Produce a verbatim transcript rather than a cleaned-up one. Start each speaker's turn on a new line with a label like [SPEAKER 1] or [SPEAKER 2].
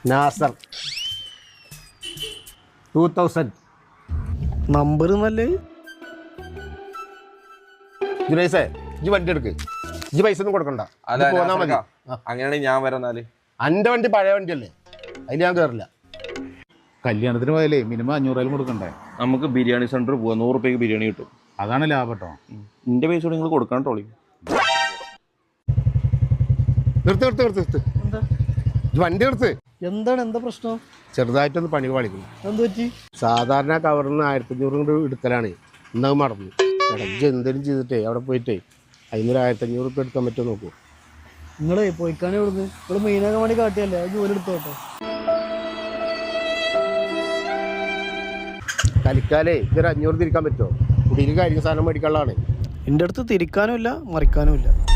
[SPEAKER 1] Nasar two thousand
[SPEAKER 2] number നല്ല
[SPEAKER 1] ജുനൈസേ ഇജ്ജ് വണ്ടി എടുക്ക് ഇജ്ജ് പൈസ ഒന്നും കൊടുക്കണ്ട പോന്നാ മതി.
[SPEAKER 3] അങ്ങനെയാണെങ്കിൽ ഞാൻ വരാന്നാല്
[SPEAKER 1] എൻ്റെ വണ്ടി പഴയ വണ്ടിയല്ലേ അതിൽ ഞാൻ കയറില്ല.
[SPEAKER 4] കല്യാണത്തിന് പോയാലേ മിനിമം അഞ്ഞൂറായാലും കൊടുക്കണ്ടേ?
[SPEAKER 3] നമുക്ക് ബിരിയാണി സെന്റർ പോവാം, നൂറ് റുപ്യക്ക് ബിരിയാണി കിട്ടും.
[SPEAKER 4] അതാണ് ലാഭം കേട്ടോ.
[SPEAKER 3] എന്റെ പൈസ നിങ്ങൾ കൊടുക്കാൻ ട്രോളി.
[SPEAKER 1] നിർത്ത് നിർത്ത് നിർത്ത് നിർത്ത് ഇജ്ജ് വണ്ടി എടുത്ത്.
[SPEAKER 2] എന്താണ് എന്താ പ്രശ്നം?
[SPEAKER 1] ചെറുതായിട്ടൊന്ന് പണി പാളിക്കുന്നു.
[SPEAKER 2] എന്ത് പറ്റി?
[SPEAKER 1] സാധാരണ കവറിൽ നിന്ന് ആയിരത്തി അഞ്ഞൂറ് കൊണ്ട് എടുക്കലാണ്. ഇന്നത് മറന്നു. ഇടയ്ക്ക് എന്തെങ്കിലും ചെയ്തിട്ടേ അവിടെ പോയിട്ടേ അതിനൊരു ആയിരത്തി അഞ്ഞൂറ് റുപ്യ എടുക്കാൻ പറ്റുമോ നോക്കൂ.
[SPEAKER 2] നിങ്ങളെ പോയിക്കാനേ ഇവിടുന്ന് നിങ്ങൾ മെയിനാക്കാൻ വേണ്ടി കാട്ടിയല്ലേ അത് ജോലി എടുത്തോട്ടെ.
[SPEAKER 1] കലിക്കാലേ ഇതൊരു അഞ്ഞൂറ് തിരിക്കാൻ പറ്റുമോ? കുടിയിൽ കാര്യം സാധനം മേടിക്കാനുള്ളതാണ്.
[SPEAKER 2] എൻ്റെ അടുത്ത് തിരിക്കാനും ഇല്ല മറിക്കാനും ഇല്ല.